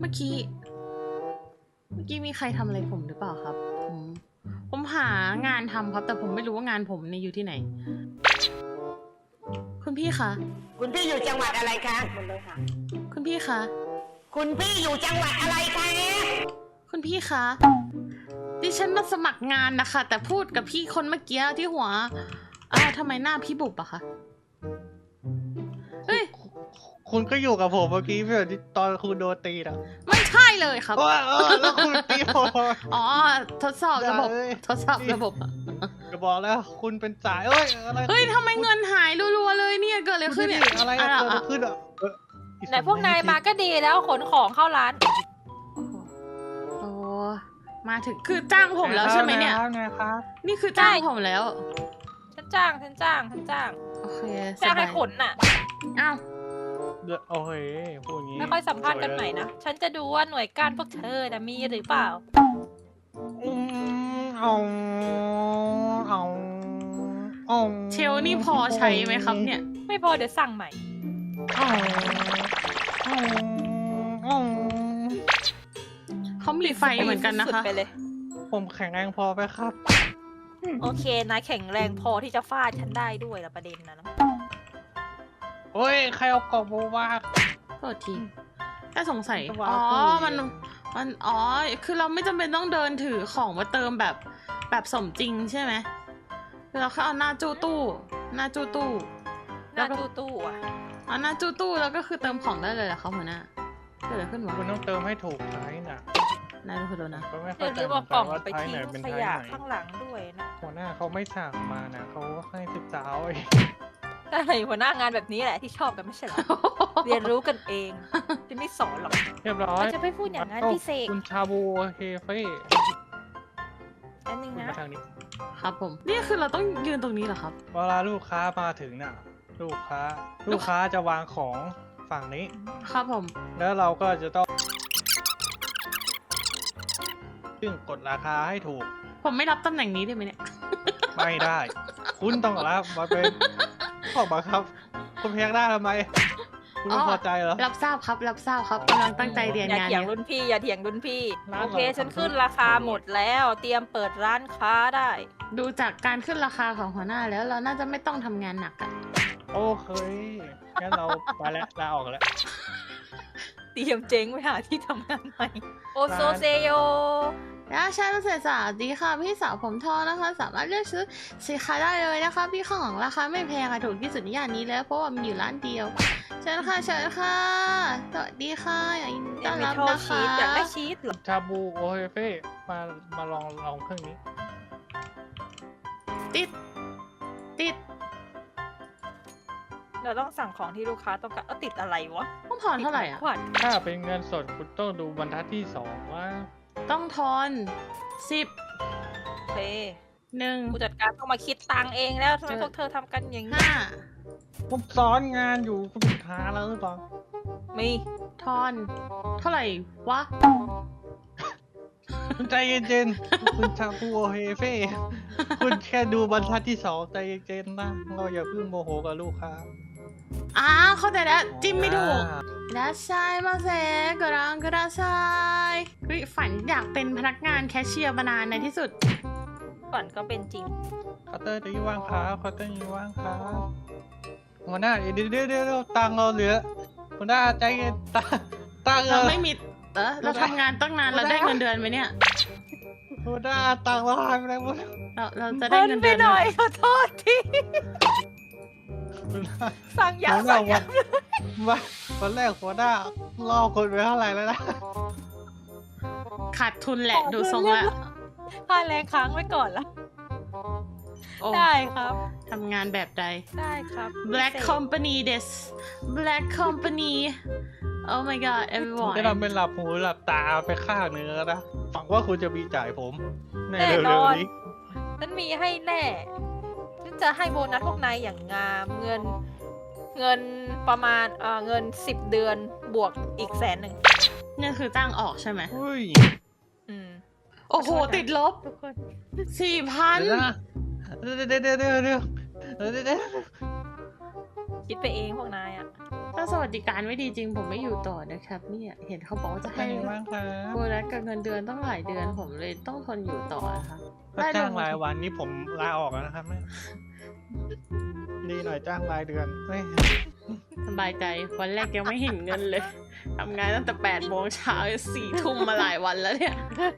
เมื่อกี้มีใครทำอะไรผมหรือเปล่าครับ ผมหางานทำครับ แต่ผมไม่รู้ว่างานผมเนี่ยอยู่ที่ไหน คุณพี่คะคุณพี่อยู่จังหวัดอะไรคะหมดเลยค่ะคุณพี่คะคุณพี่อยู่จังหวัดอะไรคะคุณพี่คะดิฉันมาสมัครงานนะคะ แต่พูดกับพี่คนเมื่อกี้ที่หัวทำไมหน้าพี่บุบอะคะเฮ้ยคุณก็อยู่กับผมเมื่อกี้เพื่อนตอนคุณโดนตีนะไม่ใช่เลยครับแล้วคุณตีผมอ๋อ ทดสอบระบบเอ้ยทดสอบระบบจะบอกแล้วคุณเป็นสายอะไรเฮ้ยทำไมเงินหายรัวๆเลยเนี่ย เกิดอะไรขึ้นเนี่ยอะไรอะเกิดอะขึ้นอ่ะไหนพวกนายมาก็ดีแล้วขนของเข้าร้านโอ้มาถึงคือจ้างผมแล้วใช่ไหมเนี่ยไงครับนี่คือจ้างผมแล้วฉันจ้างโอเคสจ้างบาให้ยขนน่ะอ้าวโอเคพูดอย่างนี้ไม่ค่อยสัมภาษณ์กันใหม่นะ ฉันจะดูว่าหน่วยก้านพวกเธอนะมีหรือเปล่าเอาเชลนี่พอใช้ไหมครับเนี่ยไม่พอเดี๋ยวสั่งใหม่เขามีไฟเหมือนกันนะคะสุดๆไปเลยผมแข็งแรงพอไหมครับโอเคนายแข็งแรงพอที่จะฟาดฉันได้ด้วยละประเด็นนะโอ้ยใครเอากล่องโบวาโทษทีแค่สงสัยจะวางอ๋อตู้มันอ๋อ คือเราไม่จำเป็นต้องเดินถือของมาเติมแบบสมจริงใช่ไหมคือเราแค่เอาหน้าจูตู้ หน้าจูตู้หน้าตู้ๆอ่ะเอาหน้าจูตู้แล้วก็คือเติมของได้เลยเหรอครับหัวหน้าเกิดอะไรขึ้นวะคุณต้องเติมให้ถูกไซส์น่ะนายดูคุณดูนะก็ไม่อเข้าย่าใจลืมเหมืเอาอนกกัล่อน งว่าไปไซส์ทิ้ไหนงเป็นขไซส์ยะไหนข้างหลังด้วยนะหัวหน้าเขาไม่สั่งมานะเขาให้ศึกษาเอาเองใช่หัวหน้างานแบบนี้แหละที่ชอบกันไม่ใช่เหรอ เรียนรู้กันเองจะไม่สอนหรอกเรียบร้อยเราจะไม่พูดอย่างนั้นพี่เสกคุณชาบูเฮเฟ่อันนึงคุณนะมาทางนี้ครับผม นี่คือเราต้องยืนตรงนี้เหรอครับเวลาลูกค้ามาถึงน่ะ ลูกค้าจะวางของฝั่งนี้ครับผมแล้วเราก็จะต้องซึ่งกดราคาให้ถูกผมไม่รับตำแหน่งนี้ได้ไหมเนี่ยไม่ได้ คุณต้องรับมาเป็นข้อบังคับ คุณเพียงได้ทำไม คุณไม่อ๋อพอใจเหรอรับทราบครับ รับทราบครับกำลังตั้งใจเรียนานอย่างเถียงอยู่รุ่นพี่อย่าเถียงรุ่นพี่ร้านโอเคเราฉันขึ้นราคาหมดแล้ว เตรียมเปิดร้านค้าได้ดูจากการขึ้นราคาของหัวหน้าแล้วเราน่าจะไม่ต้องทำงานหนักอะโอเคงั้นเราไปแล้วลาออกแล้วเตรียมเจ๊งไปหาที่ทำงานใหม่โอโซเซโยแล้วใช่พิเศษสวัสดีค่ะพี่สาวผมทองนะคะ สามารถเลือกซื้อสินค้าได้เลยนะคะพี่ข้างหลังราคาไม่แพงค่ะถูกที่สุดในย่านนี้แล้วเพราะว่ามันอยู่ร้านเดียวเชิญค่ะเชิญค่ะสวัสดีค่ะยินดีต้อนมีรับโทษนะชีคะสอยากได้ชีสเหรอชาบูโอเฮเฟ่มาลองเครื่องนี้ติดติดเราต้องสั่งของที่ลูกค้าต้องการเอาติดอะไรวะต้องถอนเท่าไหร่อ่ะขวัญถ้าเป็นเงินสดคุณต้องดูบรรทัดที่2ว่าต้องทอน10 โอเค 1 ผู้จัดการต้องมาคิดตังค์เองแล้วทำไมเจอพวกเธอทำกันอย่างนี้ 5 ผมสอนงานอยู่คุณหาแล้วหรือเปล่ามีทอนเท่าไหร่วะคุณใจเย็นๆ คุณชาบูโอเฮเฟ่คุณแค่ดูบรรทัดที่2ใจเย็นๆนะเราอย่าเพิ่งโมโหกับลูกค้าเข้าใจแล้วจิ้มไม่ถูกいらっしゃいませご覧くださいเฮ้ยฝันอยากเป็นพนักงานแคชเชียร์มานานในที่สุดฝันก็เป็นจริงเคาน์เตอร์นี้ว่างครับเคาน์เตอร์นี้ว่างครับหัวหน้าเดี๋ยวตังค์เราเหลือหัวหน้าใจเย็นตังค์เราไม่มีเราทำงานตั้งนานเราได้เงินเดือนไหมเนี่ยหัวหน้าตังค์เราหายไปไหนหมดเราจะได้เพิ่นเงินไปเดือนหน่อยไหมขอโทษทีสั่งยาหัวหน้าสั่งยาวันแรกหัวหน้าล่อคนไปเท่าไหร่แล้วนะขาดทุนแหละดูทรงแล้วค่าแรงค้างไว้ก่อนละโอ้ได้ครับทำงานแบบใดได้ครับ Black Company this Black Company Oh my god ผม everyone จะทำเป็นหลับหูหลับตาไปข้างหนึ่งแล้วนะหวังว่าคุณจะมีจ่ายผมในแน่เร็นวอนๆนี้ฉันมีให้แน่ฉันจะให้โบนัสพวกนายอย่างงามเงินประมาณเงิน10 เดือนบวกอีก100,000 นี่คือจ้างออกใช่ไหมอุ้ยอืมโอ้โห ติดลบทุกคน 4,000 เดี๋ยวนะเดี๋ยวคิดไปเองพวกนายอ่ะถ้าสวัสดิการไม่ดีจริงผมไม่อยู่ต่อนะครับเนี่ยเห็นเขาบอกว่าจะเป็ให้นยังไงบ้างครับโบนัสกับเงินเดือนต้องหลายเดือนผมเลยต้องทนอยู่ต่อนะคะถ้าจ้างรายวันนี้ผมลาออกแล้วนะครับเนี่ยดีหน่อยจ้างรายเดือนเฮ้ยสบายใจวันแรกยังไม่เห็นเงินเลยทำงานตั้งแต่8 โมงเช้า4 ทุ่มมาหลายวันแล้วเนี่ย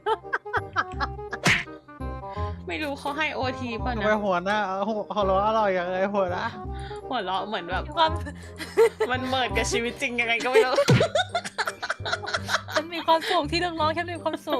ไม่รู้เขาให้โอทีป่ะทำนะไมหัวหน้าหัวเราะอร่อยอย่างไรหัวหน้าหัวเราะเหมือนแบบมีความมันเมิดกับชีวิตจริงยังไงก็ไม่รู้ฉันมีความสุขที่น้องๆฉันมีความสุข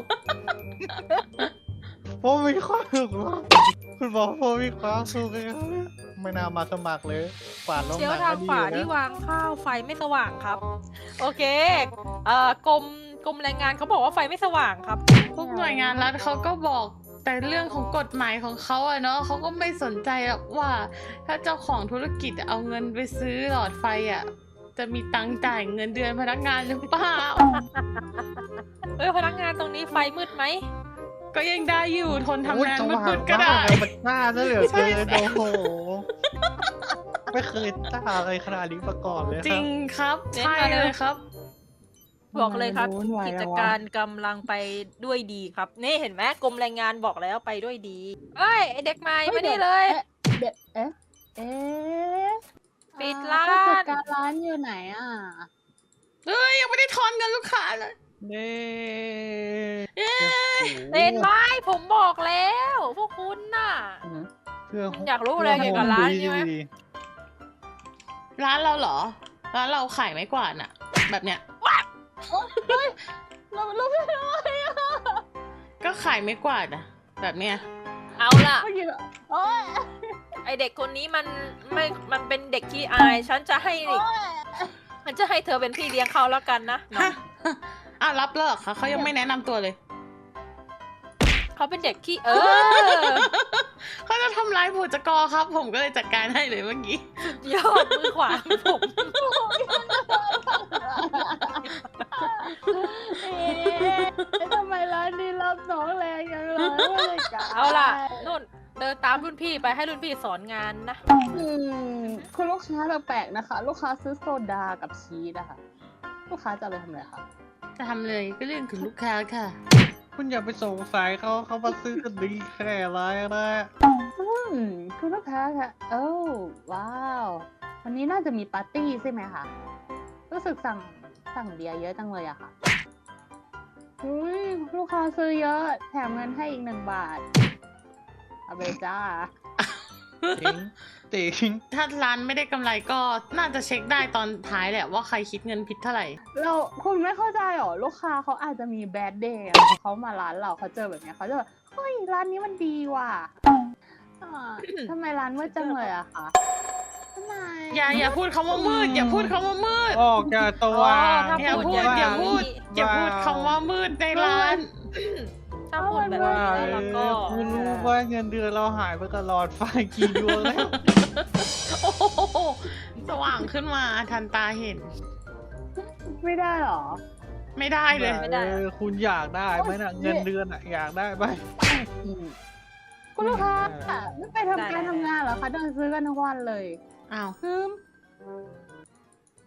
ผมมีความสุขมากคุณบอกผมมีความสุขเลยไม่น่ามาสมัครเลยกวาดลงเชียวหนังทางก็ดีขวานะที่วางข้าวไฟไม่สว่างครับ โอเคกรมแรงงานเขาบอกว่าไฟไม่สว่างครับพวกหน่วยงานรัฐเขาก็บอกแต่เรื่องของกฎหมายของเขาอะเนาะเขาก็ไม่สนใจหรอกว่า ถ้าเจ้าของธุรกิจเอาเงินไปซื้อหลอดไฟอะจะมีตังค์จ่ายเงินเดือนพนักงานหรือเปล่าพนักงานตรงนี้ไฟมืดไหมก็ยังได้อยู่ทนทำงานโอ้ยมืดๆก็ได้มันกล้าซะเหลือเกินโอ้โหไม่เคยกล้าอะไรขนาดนี้มาก่อนเลยคจรัริบงครับเน้นใช่มาเลยเลยครับบอกเลยครับวุ่นวายกิแล้จววะการกำลังไปด้วยดีครับ นี่เห็นไหมกรมแรงงานบอกแล้วไปด้วยดีเอ้ยไอเด็กใหม่มานี่เลยเด็ดเอ๊ะปิดร้านผู้จัดการร้านอยู่ไหนอ่ะเอ้ยยังไม่ได้ทอนเงินลูกค้าเลยนี่เอ๊ะเห็นไหมผมบอกแล้ว พวกคุณน่ะเพื่ออยากรู้อะไรเกี่ยวกับร้านใช่ไหมร้านเราเหรอ ร้านเราขายไม้กวาดน่ะ แบบเนี้ยเราไม่รู้เลยอ่ะก็ขายไม้กวาดน่ะ แบบเนี้ยเอาล่ะเมื่อกี้โอ๊ยไอเด็กคนนี้มันเป็นเด็กขี้อาย ฉันจะให้เธอเป็นพี่เลี้ยงเขาแล้วกันนะน้องฮะอ่ะรับเลิกค่ะเขายังไม่แนะนำตัวเลยเขาเป็นเด็กขี้เขาจะทำร้ายผู้จัดกรครับ ผมก็เลยจัดการให้เลยเมื่อกี้ยอดมือขวาผมทำไมร้านนี้รับน้องแรงอย่างเลยผู้จัดการเอาล่ะนุ่นเดินตามรุ่นพี่ไปให้รุ่นพี่สอนงานนะคุณลูกค้าแปลกๆนะคะ ลูกค้าซื้อโซดากับชีสอะค่ะ ลูกค้าจะเอาไปทำอะไรคะจะทำเลยก็เรื่องถึงลูกค้าค่ะคุณอย่าไปสงสัยเขามาซื้อกันดีแค่ไรนะคุณลูกค้าค่ะโอ้ว้าว วันนี้น่าจะมีปาร์ตี้ใช่ไหมคะ รู้สึกสั่งเบียร์เยอะจังเลยอะค่ะอุ้ยลูกค้าซื้อเยอะ แถมเงินให้อีก1 บาท เอาไปจ้าติ๋งถ้าร้านไม่ได้กำไรก็น่าจะเช็คได้ตอนท้ายแหละว่าใครคิดเงินผิดเท่าไหร่คุณไม่เข้าใจหรอ ลูกค้าเขาอาจจะมีแบดเดย์เขามาร้านเราเขาเจอแบบเนี้ยเขาจะแบบเฮ้ยร้านนี้มันดีว่ะทำไมร้านมืดจังเลยอะคะทำไมอย่าพูดคำว่ามืด อย่าพูดคำว่ามืดออกจากตัวถ้าอย่าพูดอย่างอย่าพูดนี้อย่าพูดคำว่ามืดในร้านถ้าพูดแบบว่านี้แล้วก็คุณรู้ว่าเงินเดือนเราหายไปตลอดไฟกี่ดวงแล้วโอ้โหสว่างขึ้นมาทันตาเห็นไม่ได้หรอไม่ได้เลยคุณอยากได้ไหมนะเงินเดือนอะอยากได้ไหมคุณลูกค้าไม่ไปทำการทำงานเหรอคะเดินซื้อกันทั้งวันเลยอ้าวคืม